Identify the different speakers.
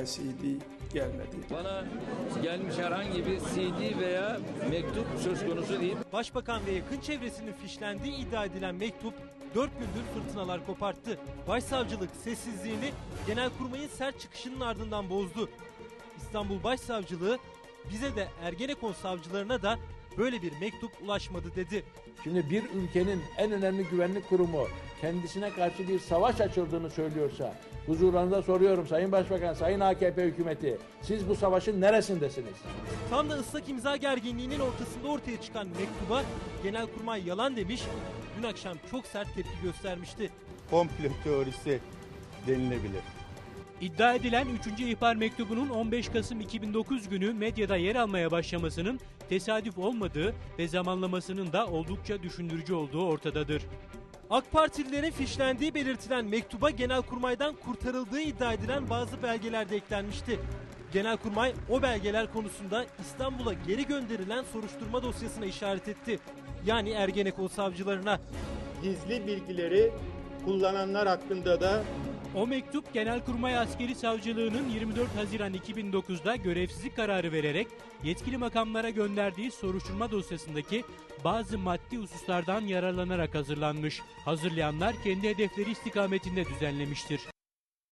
Speaker 1: CD gelmedi.
Speaker 2: Bana gelmiş herhangi bir CD veya mektup söz konusu değil.
Speaker 3: Başbakan ve yakın çevresinin fişlendiği iddia edilen mektup 4 gündür fırtınalar koparttı. Başsavcılık sessizliğini Genelkurmay'ın sert çıkışının ardından bozdu. İstanbul Başsavcılığı bize de Ergenekon savcılarına da böyle bir mektup ulaşmadı dedi.
Speaker 4: Şimdi bir ülkenin en önemli güvenlik kurumu kendisine karşı bir savaş açıldığını söylüyorsa, huzurlarında soruyorum Sayın Başbakan, Sayın AKP hükümeti, siz bu savaşın neresindesiniz?
Speaker 3: Tam da ıslak imza gerginliğinin ortasında ortaya çıkan mektuba Genelkurmay yalan demiş, dün akşam çok sert tepki göstermişti.
Speaker 5: Komplo teorisi denilebilir.
Speaker 6: İddia edilen 3. ihbar mektubunun 15 Kasım 2009 günü medyada yer almaya başlamasının tesadüf olmadığı ve zamanlamasının da oldukça düşündürücü olduğu ortadadır.
Speaker 3: AK Partililerin fişlendiği belirtilen mektuba Genelkurmay'dan kurtarıldığı iddia edilen bazı belgeler de eklenmişti. Genelkurmay o belgeler konusunda İstanbul'a geri gönderilen soruşturma dosyasına işaret etti. Yani Ergenekon savcılarına.
Speaker 7: Gizli bilgileri kullananlar hakkında da
Speaker 6: O mektup Genelkurmay Askeri Savcılığı'nın 24 Haziran 2009'da görevsizlik kararı vererek yetkili makamlara gönderdiği soruşturma dosyasındaki bazı maddi hususlardan yararlanarak hazırlanmış. Hazırlayanlar kendi hedefleri istikametinde düzenlemiştir.